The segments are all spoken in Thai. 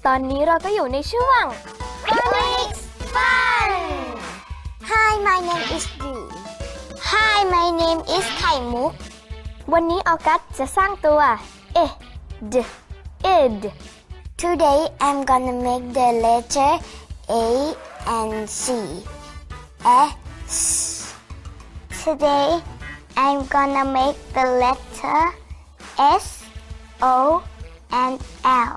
ตอนนี้เราก็อยู่ในช่วง Phonics Fun! Hi, my name is Dream. Hi, my name is ไข่มุกวันนี้ออกัสจะสร้างตัวd id Today, I'm gonna make the letter A and C. S. Today, I'm gonna make the letter S, O, and L.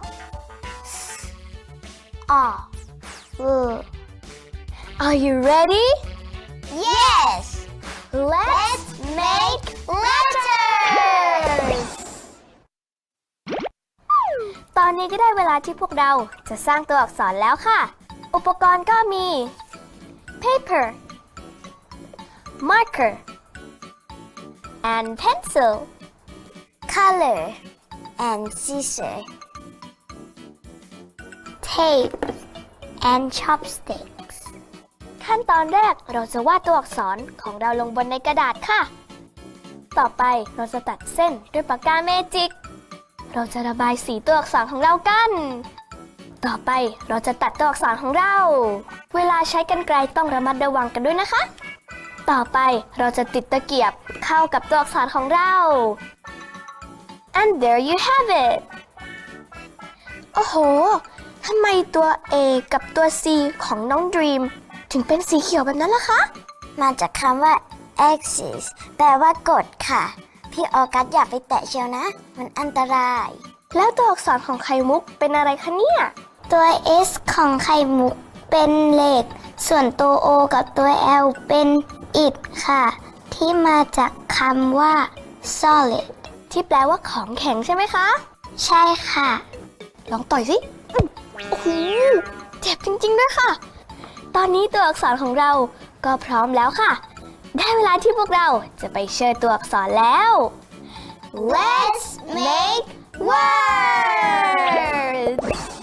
Are you ready? Yes! Let's make letters! ตอนนี้ก็ได้เวลาที่พวกเราจะสร้างตัวอักษรแล้วค่ะ อุปกรณ์ก็มี paper marker and pencil Color and scissors. Tape and chopsticks. ขั้นตอนแรกเราจะวาดตัวอักษรของเราลงบนในกระดาษค่ะ ต่อไปเราจะตัดเส้นด้วยปากกาเมจิก เราจะระบายสีตัวอักษรของเรากัน ต่อไปเราจะตัดตัวอักษรของเรา เวลาใช้กรรไกรต้องระมัดระวังกันด้วยนะคะ ต่อไปเราจะติดตะเกียบเข้ากับตัวอักษรของเรา and there you have it โอ้โห ทำไมตัว A กับตัว C ของน้อง Dream ถึงเป็นสีเขียวแบบนั้นล่ะคะมาจากคำว่า axis แปลว่ากดค่ะ พี่ออกัสอย่าไปแตะเชียวนะ มันอันตรายแล้วตัวอักษรของไข่มุกเป็นอะไรคะเนี่ยตัว S ของไข่มุกเป็นเหล็ก ส่วนตัว O กับตัว L เป็นอิฐค่ะ ที่มาจากคำว่า solid ที่แปลว่าของแข็งใช่ไหมคะใช่ค่ะลองต่อยสิโอ้โหเจ็บจริงๆด้วยค่ะ ตอนนี้ตัวอักษรของเราก็พร้อมแล้วค่ะ ได้เวลาที่พวกเราจะไปเชิญตัวอักษรแล้ว Let's make words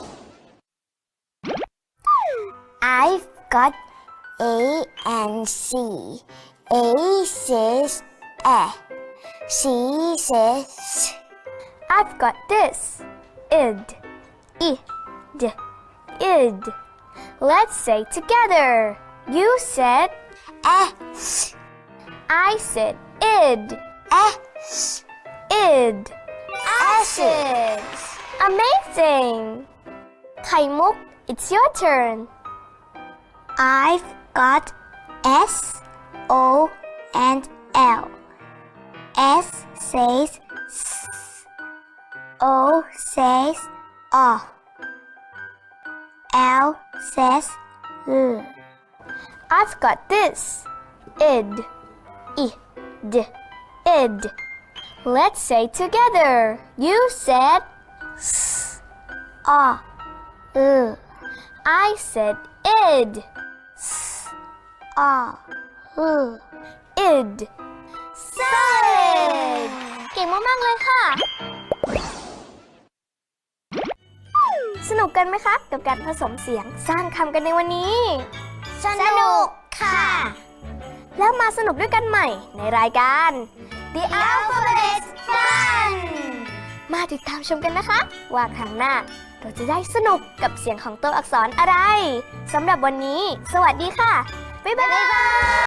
I've got A and C A says C says I've got this id id Let's say together You said S I said id S id acid Amazing ไข่มุก It's your turn I've got S O and L S says S O says O L says I've got this id id Let's say together You said S O I said id S O id solid เก่งมากๆเลยค่ะ สนุกกันไหมคะ กับการผสมเสียงสร้างคำกันในวันนี้สนุกค่ะแล้วมาสนุกด้วยกันใหม่ในรายการ The Alphabet Fun มาติดตามชมกันนะคะ ว่าครั้งหน้าเราจะได้สนุกกับเสียงของตัวอักษรอะไรสำหรับวันนี้ สวัสดีค่ะ บ๊ายบาย